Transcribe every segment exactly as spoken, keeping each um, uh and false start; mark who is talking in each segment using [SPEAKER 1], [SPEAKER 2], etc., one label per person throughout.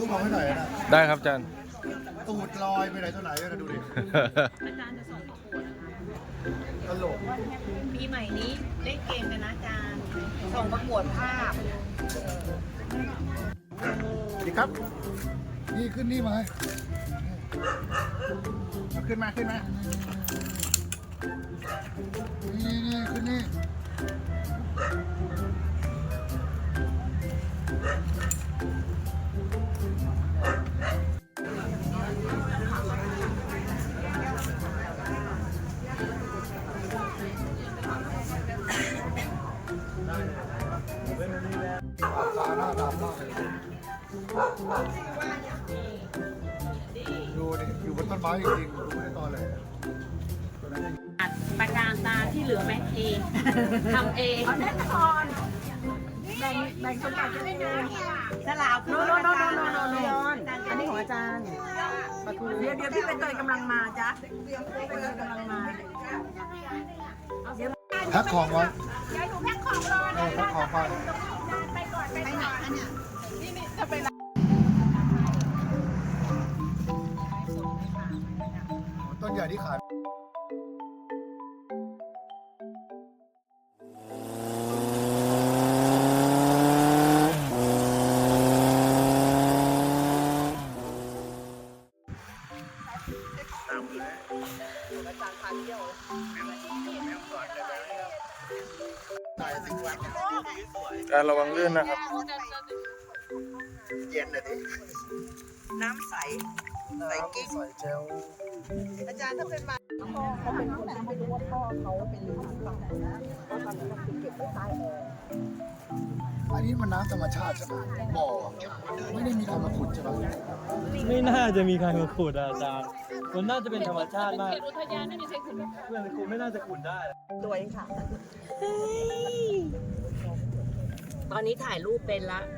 [SPEAKER 1] มองให้หน่อยนะ
[SPEAKER 2] ได้ครับอาจารย์
[SPEAKER 1] ตูดลอยไปไหนตัวไหนนะดูดิ
[SPEAKER 3] อาจารย์จะส่งประกวด
[SPEAKER 1] ตลก
[SPEAKER 3] ปีใหม่นี้เล่นเกมกันนะอาจารย์ส่งประกวดภาพ
[SPEAKER 1] ดีครับนี่ขึ้นนี่มาขึ้นมาขึ้นมานี่นี่ขึ้นนี่ตาหน้าดำมากเลยดูดิอยู่บนต้นไม้จริงๆดูไม่ได้ตอนเลย
[SPEAKER 3] ประการตาที่เหลือแม่เองทำเองแน่นอนแบ่งแบ่งสมบัติกันเองสลาวโนโนโนโนโนโนโนอันนี้ของอาจารย์เดี๋ยวเดี๋ยวพี่เป็นเตยกำลังมาจ้ะเป็นเตยกำลังมา
[SPEAKER 1] แพ็คของไว้
[SPEAKER 3] ยายหนูแพ็คของรอนะ
[SPEAKER 1] แพ็คของไป
[SPEAKER 3] ไปก่อนไปไหนอันเนี้ยนี่นี่จะไป
[SPEAKER 1] ต้นใหญ่ที่ขาย
[SPEAKER 2] การระวังลื่นนะครับ
[SPEAKER 1] เย็นเลยดิ
[SPEAKER 3] น้ำใสใสกิ๊ก
[SPEAKER 1] ใส่เจล
[SPEAKER 3] อาจารย์ถ้าเป็นมาพ่อเขาเป็นคนที่ไม่รู้ว่าพ่อเขาเป็นหรือเปล่านะเพราะตอนนั้นคือเก็บไว้ใต้แอร์
[SPEAKER 1] อันนี้มันน้ำธรรมชาติใช่ไหมบ่อไม่ได้มีใครมาขุดใช่ไหม
[SPEAKER 4] ไม่น่าจะมีใครมาขุดอาจารย์มันน่าจะเป็นธรรมชาติมาก
[SPEAKER 3] อุทยานไม่มีใครขุด
[SPEAKER 4] เพื่อนคุณไม่น่าจะขุดได้
[SPEAKER 3] ตัวเองค่ะตอนนี้ถ่ายรูปเป็นละ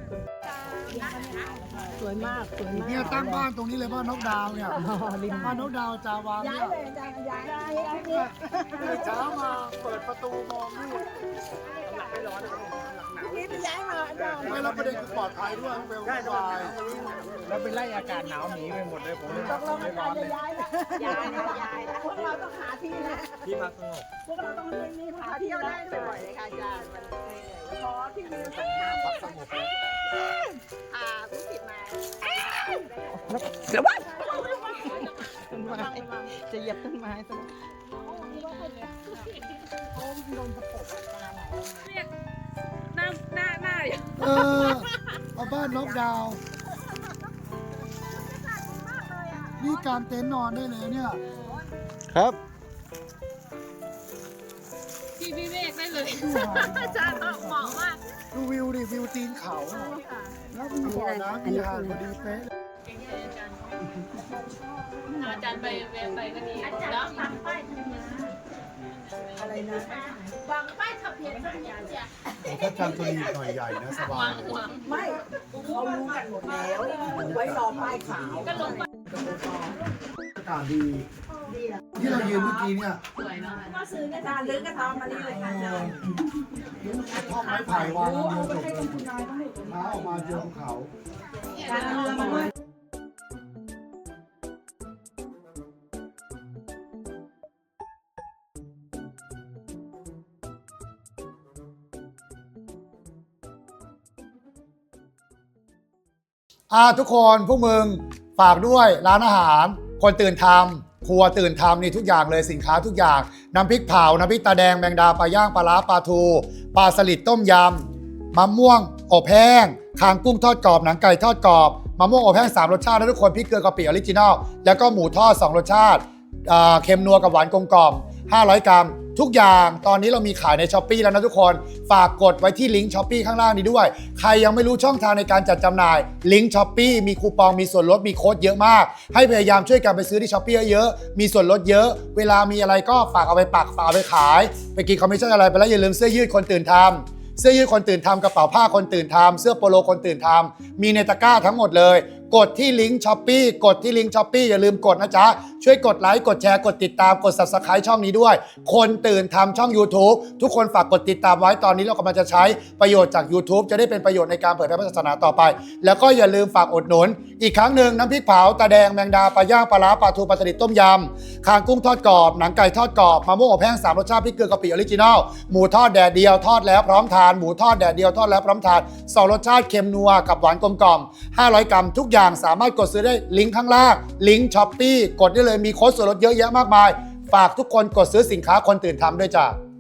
[SPEAKER 3] สวยมากสวยมาก
[SPEAKER 1] เนี่ยตั้งบ้านตรงนี้เลยบ้านนกดาวเนี่ยบ้านนกดาวจาวางเนี่ย
[SPEAKER 3] ย้ายเลยย้ายย้าย
[SPEAKER 1] เลยเช้ามาเปิดประตูมองนี่
[SPEAKER 3] ไม่ร้อนนี่ไปย้ายมา
[SPEAKER 1] ไม่รับประเด็นคือปลอดภัยด้วยเวลสบาย
[SPEAKER 4] แล้วเป็นไล่อากาศหนาวหนีไปหมดเลยผมเลย
[SPEAKER 3] ต้องไม่ร้อนเลยย้ายนะย้ายนะย้ายนะพวกเราต้องหาที่นะ
[SPEAKER 4] ที่พักสงบ
[SPEAKER 3] พวกเราต้องมีหาที่ได้บ่อยๆเลยค่ะอาจารย์มันขอที่มีสักหาพักสงบอ่าผู้ผิดมาเดี๋ยวว่าต้นไม้จะเหยียบต้นไม้ซะหน้าหน้าหน้า
[SPEAKER 1] เออเอาบ้านนกดาวนี่การเต็นท์นอนได้เลยเนี่ย
[SPEAKER 2] ครับ
[SPEAKER 3] พี่วิเวกได้เลยอาจารย์เหมาะมาก
[SPEAKER 1] ดูวิวดิวิวตีนเขาแล้วมีบ่อน้ำมีหาดพอดีเป๊ะ
[SPEAKER 3] อาจารย์ไปเวไปก็ดีแล้ววางป้ายทะเบียนอะไรนะวางป้ายทะเบียนสัญญาณจ้ะ
[SPEAKER 1] ถ้าจำตัวนี้หน่อยใหญ่นะสบาย
[SPEAKER 3] ไม่เขารู้กันหมดแล้วไว้รอป้ายขาวก็ลงไป
[SPEAKER 1] อากาศดีที่เรายืนเมื่อกี้เนี่ย
[SPEAKER 3] ก็ซื้ออาจารย์ลื้อกระทอมมานี่เลยค่ะ
[SPEAKER 1] ท่องไม้ไผ่วางเดียวจบเลยเท้าออกมาเจอภูเขาอ่าทุกคนพวกมึงฝากด้วยร้านอาหารคนตื่นทำครัวตื่นทำนี่ทุกอย่างเลยสินค้าทุกอย่างน้ำพริกเผาน้ำพริกตาแดงแมงดาปลาย่างปลาล้าปลาทูปลาสลิดต้มยำมะม่วงอบแห้งคางกุ้งทอดกรอบหนังไก่ทอดกรอบมะม่วงอบแห้งสามรสชาตินะทุกคนพริกเกลือกะปิออริจินัลแล้วก็หมูทอดสองรสชาติเค็มนัวกับหวานกลมกล่อมห้าร้อยกรัมทุกอย่างตอนนี้เรามีขายใน ช้อปปี้ แล้วนะทุกคนฝากกดไว้ที่ลิงก์ ช้อปปี้ ข้างล่างนี้ด้วยใครยังไม่รู้ช่องทางในการจัดจำหน่ายลิงก์ ช้อปปี้ มีคูปองมีส่วนลดมีโค้ดเยอะมากให้พยายามช่วยกันไปซื้อที่ ช้อปปี้ เยอะๆมีส่วนลดเยอะเวลามีอะไรก็ฝากเอาไปปักฝากเอาไปขายไปกินคอมมิชชั่นอะไรไปแล้วอย่าลืมเสื้อยืดคนตื่นทำเสื้อยืดคนตื่นทำกระเป๋าผ้าคนตื่นทำเสื้อโปโลคนตื่นทำมีในตะกร้าทั้งหมดเลยกดที่ลิงก์ ช้อปปี้ กดที่ลิงก์ ช้อปปี้ อย่าลืมกดนะจ๊ะช่วยกดไลค์กดแชร์กดติดตามกด ซับสไครบ์ ช่องนี้ด้วยคนตื่นทำช่อง YouTube ทุกคนฝากกดติดตามไว้ตอนนี้เรากำลังจะใช้ประโยชน์จาก YouTube จะได้เป็นประโยชน์ในการเผยแพร่ศาสนาต่อไปแล้วก็อย่าลืมฝากอุดหนุนอีกครั้งหนึ่งน้ำพริกเผาตาแดงแมงดาปลาย่างปลาร้าปลาทูปลาสลิดต้มยำคางกุ้งทอดกรอบหนังไก่ทอดกรอบมะม่วงอบแห้งสามรสชาติพริกเกลือกะปิออริจินอลหมูทอดแดดเดียวทอดแล้วพร้อมทานหมูทอดแดดเดียวทอดแล้วพร้อมทานสองรสชาติเค็มนัวกับหวานกลมกล่อมห้าร้อยกรัมทุกอย่างสามารถกดซื้อได้ลิงก์ข้างล่างลิงก์ช้อปปี้กดได้เลยมีโค้ดส่วนลดเยอะแยะมากมายฝากทุกคนกดซื้อสินค้าคนตื่นทำด้วยจ้ะ